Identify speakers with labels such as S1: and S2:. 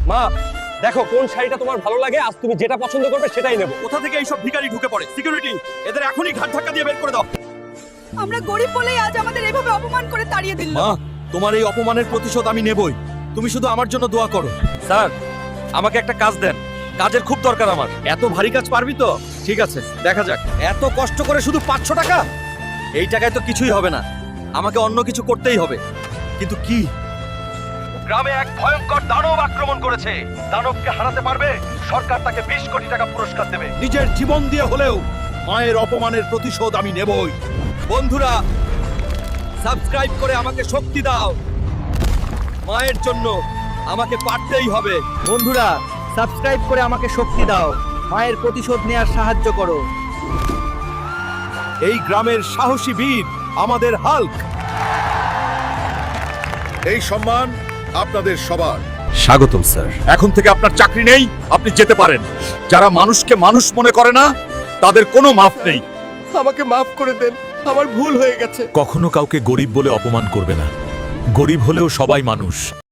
S1: মা দেখো কোন শাড়িটা তোমার ভালো লাগে, আজ তুমি যেটা পছন্দ করবে সেটাই নেবো।
S2: কোথা থেকে এইসব ভিখারি ঢুকে পড়ে? সিকিউরিটি, এদের এখনই ঘাট ধাক্কা দিয়ে বের করে দাও।
S3: আমরা গরিব বলেই আজ আমাদের এভাবে অপমান করে তাড়িয়ে দিল।
S2: মা, তোমার এই অপমানের প্রতিশোধ আমি নেবই। তুমি শুধু আমার জন্য দোয়া করো।
S1: স্যার আমাকে একটা কাজ দেন, কাজের খুব দরকার আমার।
S2: এত ভারী কাজ পারবি তো? ঠিক আছে, দেখা যাক। এত কষ্ট করে শুধু 500 টাকা? এই টাকায় তো কিছুই হবে না, আমাকে অন্য কিছু করতেই হবে। কিন্তু কি? গ্রামে এক ভয়ঙ্কর দানব আক্রমণ করেছে। দানবকে হারাতে পারবে, সরকার তাকে 20 কোটি টাকা পুরস্কার দেবে। নিজের জীবন দিয়ে হলেও মায়ের অপমানের প্রতিশোধ আমি নেবই। বন্ধুরা, সাবস্ক্রাইব করে আমাকে শক্তি দাও। মায়ের জন্য আমাকে পারতেই হবে।
S4: বন্ধুরা, সাবস্ক্রাইব করে আমাকে শক্তি দাও, মায়ের প্রতিশোধ নেয়ার সাহায্য করো।
S2: এই গ্রামের সাহসী বীর আমাদের হাল্ক।
S5: এই সম্মান আপনাদের সবার।
S2: স্বাগতম স্যার। এখন থেকে আপনার চাকরি নেই, আপনি যেতে পারেন। যারা মানুষকে মানুষ মনে করে না, তাদের কোনো মাফ নেই।
S4: আমাকে মাফ করে দেন, আমার ভুল হয়ে গেছে।
S6: কখনো কাউকে গরিব বলে অপমান করবে না, গরিব হলেও সবাই মানুষ।